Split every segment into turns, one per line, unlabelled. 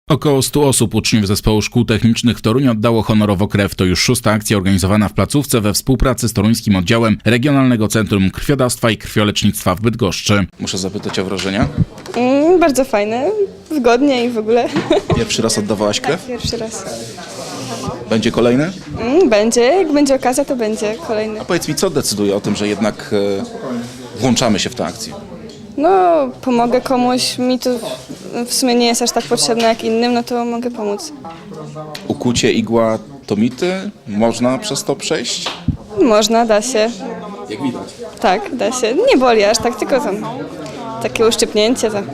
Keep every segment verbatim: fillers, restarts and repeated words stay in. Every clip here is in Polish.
Około stu osób, uczniów Zespołu Szkół Technicznych w Toruniu, oddało honorowo krew. To już szósta akcja organizowana w placówce we współpracy z toruńskim oddziałem Regionalnego Centrum Krwiodawstwa i Krwiolecznictwa w Bydgoszczy. Muszę zapytać o wrażenia.
Mm, bardzo fajne, wygodnie i w ogóle.
Pierwszy raz oddawałaś krew?
Pierwszy raz.
Będzie kolejny?
Mm, będzie, jak będzie okazja, to będzie kolejny.
A powiedz mi, co decyduje o tym, że jednak e, włączamy się w tę akcję?
No, pomogę komuś, mi to w sumie nie jest aż tak potrzebne jak innym, no to mogę pomóc.
Ukucie, igła to mity? Można przez to przejść?
Można, da się.
Jak widać.
Tak, da się. Nie boli aż tak, tylko tam takie uszczypnięcie. To.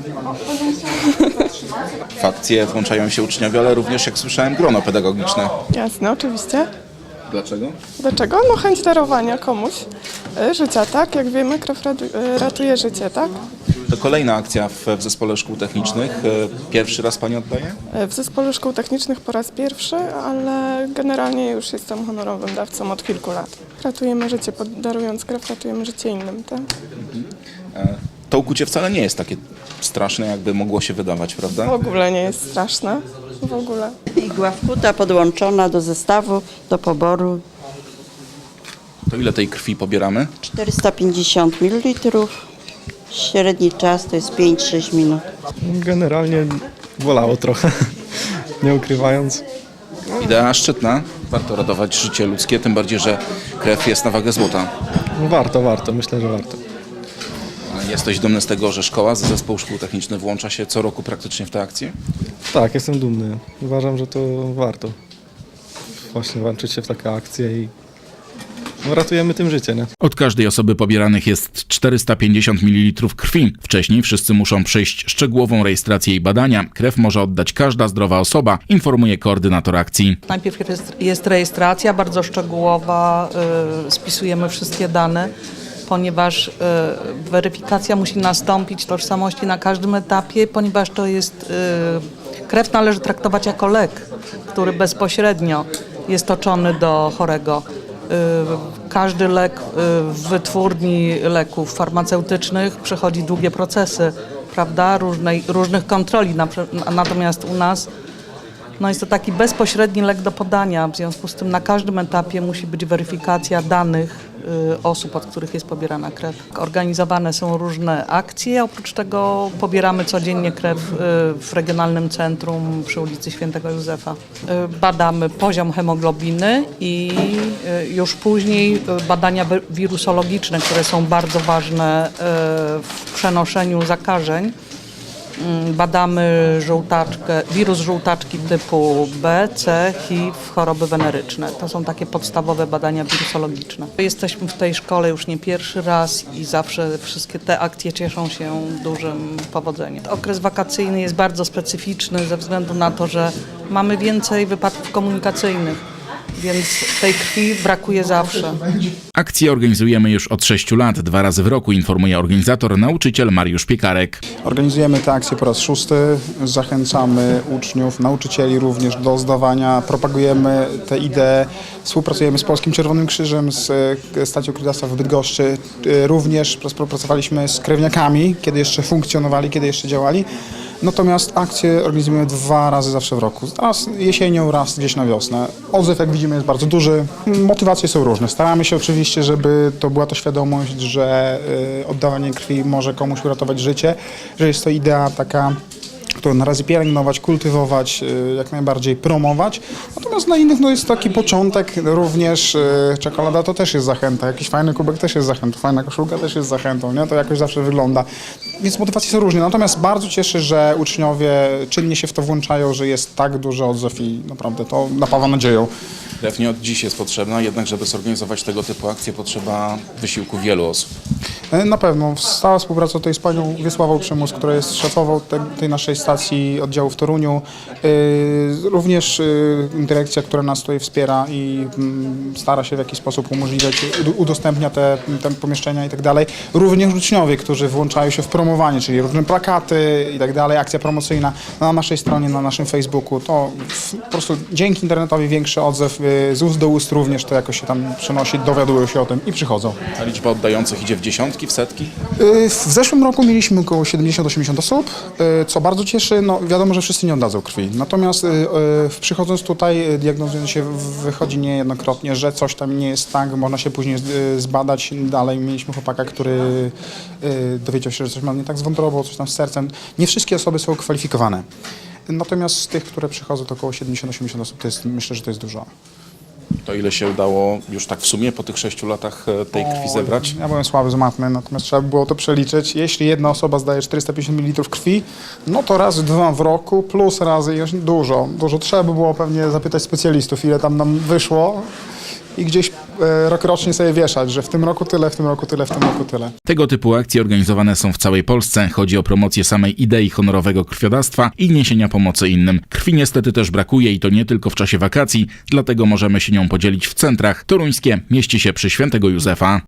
W akcję włączają się uczniowie, ale również, jak słyszałem, grono pedagogiczne.
Jasne, oczywiście.
Dlaczego?
Dlaczego? No chęć darowania komuś y, życia, tak? Jak wiemy, krew radu- y, ratuje życie, tak?
To kolejna akcja w, w Zespole Szkół Technicznych. E, Pierwszy raz Pani oddaje?
Y, W Zespole Szkół Technicznych po raz pierwszy, ale generalnie już jestem honorowym dawcą od kilku lat. Ratujemy życie, pod- darując krew, ratujemy życie innym, tak?
E, To ukucie wcale nie jest takie straszne, jakby mogło się wydawać, prawda?
W ogóle nie jest straszne, w ogóle.
Igła wkuta, podłączona do zestawu, do poboru.
To ile tej krwi pobieramy?
czterysta pięćdziesiąt mililitrów. Średni czas to jest pięć sześć minut.
Generalnie bolało trochę, nie ukrywając.
Idea szczytna. Warto ratować życie ludzkie, tym bardziej, że krew jest na wagę złota.
No warto, warto, myślę, że warto.
Jesteś dumny z tego, że szkoła, Zespół Szkół Technicznych włącza się co roku praktycznie w tę akcję?
Tak, jestem dumny. Uważam, że to warto właśnie włączyć się w takie akcje i no, ratujemy tym życie, nie?
Od każdej osoby pobieranych jest czterysta pięćdziesiąt mililitrów krwi. Wcześniej wszyscy muszą przejść szczegółową rejestrację i badania. Krew może oddać każda zdrowa osoba, informuje koordynator akcji.
Najpierw jest, jest rejestracja bardzo szczegółowa, y, spisujemy wszystkie dane, ponieważ y, weryfikacja musi nastąpić tożsamości na każdym etapie, ponieważ to jest, y, krew należy traktować jako lek, który bezpośrednio jest toczony do chorego. Y, każdy lek y, w wytwórni leków farmaceutycznych przechodzi długie procesy, prawda, różnej, różnych kontroli, na, natomiast u nas no jest to taki bezpośredni lek do podania, w związku z tym na każdym etapie musi być weryfikacja danych y, osób, od których jest pobierana krew. Organizowane są różne akcje, oprócz tego pobieramy codziennie krew y, w Regionalnym Centrum przy ulicy Świętego Józefa. Y, badamy poziom hemoglobiny i y, już później y, badania wi- wirusologiczne, które są bardzo ważne y, w przenoszeniu zakażeń. Badamy żółtaczkę, wirus żółtaczki typu B, C, H I V, choroby weneryczne. To są takie podstawowe badania wirusologiczne. Jesteśmy w tej szkole już nie pierwszy raz i zawsze wszystkie te akcje cieszą się dużym powodzeniem. Okres wakacyjny jest bardzo specyficzny ze względu na to, że mamy więcej wypadków komunikacyjnych, więc tej krwi brakuje zawsze.
Akcję organizujemy już od sześciu lat, dwa razy w roku, informuje organizator, nauczyciel Mariusz Piekarek.
Organizujemy tę akcję po raz szósty, zachęcamy uczniów, nauczycieli również do zdawania, propagujemy tę ideę, współpracujemy z Polskim Czerwonym Krzyżem, z Stacją Krwiodawstwa w Bydgoszczy, również współpracowaliśmy z krewniakami, kiedy jeszcze funkcjonowali, kiedy jeszcze działali. Natomiast akcje organizujemy dwa razy zawsze w roku. Raz jesienią, raz gdzieś na wiosnę. Odzew, jak widzimy, jest bardzo duży. Motywacje są różne. Staramy się oczywiście, żeby to była to świadomość, że y, oddawanie krwi może komuś uratować życie, że jest to idea taka, którą na razie pielęgnować, kultywować, y, jak najbardziej promować. Natomiast dla innych no, jest taki początek również. Y, czekolada to też jest zachęta, jakiś fajny kubek też jest zachętą, fajna koszulka też jest zachętą, nie? To jakoś zawsze wygląda. Więc motywacje są różne. Natomiast bardzo cieszę, że uczniowie czynnie się w to włączają, że jest tak duży odzew i naprawdę to napawa nadzieją.
Krew nie od dziś jest potrzebna, jednak żeby zorganizować tego typu akcje, potrzeba wysiłku wielu osób.
Na pewno. Stała współpraca tutaj z panią Wiesławą Przymus, która jest szefową te, tej naszej stacji oddziału w Toruniu. Yy, również yy, dyrekcja, która nas tutaj wspiera i yy, stara się w jakiś sposób umożliwiać, udostępnia te, te pomieszczenia i tak dalej. Również uczniowie, którzy włączają się w promowanie, czyli różne plakaty i tak dalej, akcja promocyjna na naszej stronie, na naszym Facebooku. To po prostu dzięki internetowi większy odzew, yy, z ust do ust również to jakoś się tam przenosi, dowiadują się o tym i przychodzą.
A liczba oddających idzie w dziesiątki? dziesiątki, w setki?
Y, W zeszłym roku mieliśmy około siedemdziesiąt do osiemdziesięciu osób, y, co bardzo cieszy. No, wiadomo, że wszyscy nie oddadzą krwi. Natomiast y, y, przychodząc tutaj, y, diagnozując się, wychodzi niejednokrotnie, że coś tam nie jest tak, można się później y, zbadać dalej. Mieliśmy chłopaka, który y, dowiedział się, że coś ma nie tak z wątrobą, coś tam z sercem. Nie wszystkie osoby są kwalifikowane. Natomiast z tych, które przychodzą, to około siedemdziesiąt do osiemdziesięciu osób, to jest, myślę, że to jest dużo.
To ile się udało już tak w sumie po tych sześciu latach e, tej krwi zebrać?
Ja byłem słaby z matmy, natomiast trzeba by było to przeliczyć. Jeśli jedna osoba zdaje czterysta pięćdziesiąt mililitrów krwi, no to razy dwa w roku, plus razy jeszcze dużo. Dużo trzeba by było pewnie zapytać specjalistów, ile tam nam wyszło i gdzieś e, rokrocznie sobie wieszać, że w tym roku tyle, w tym roku tyle, w tym roku tyle.
Tego typu akcje organizowane są w całej Polsce. Chodzi o promocję samej idei honorowego krwiodawstwa i niesienia pomocy innym. Krwi niestety też brakuje i to nie tylko w czasie wakacji, dlatego możemy się nią podzielić w centrach. Toruńskie mieści się przy Świętego Józefa.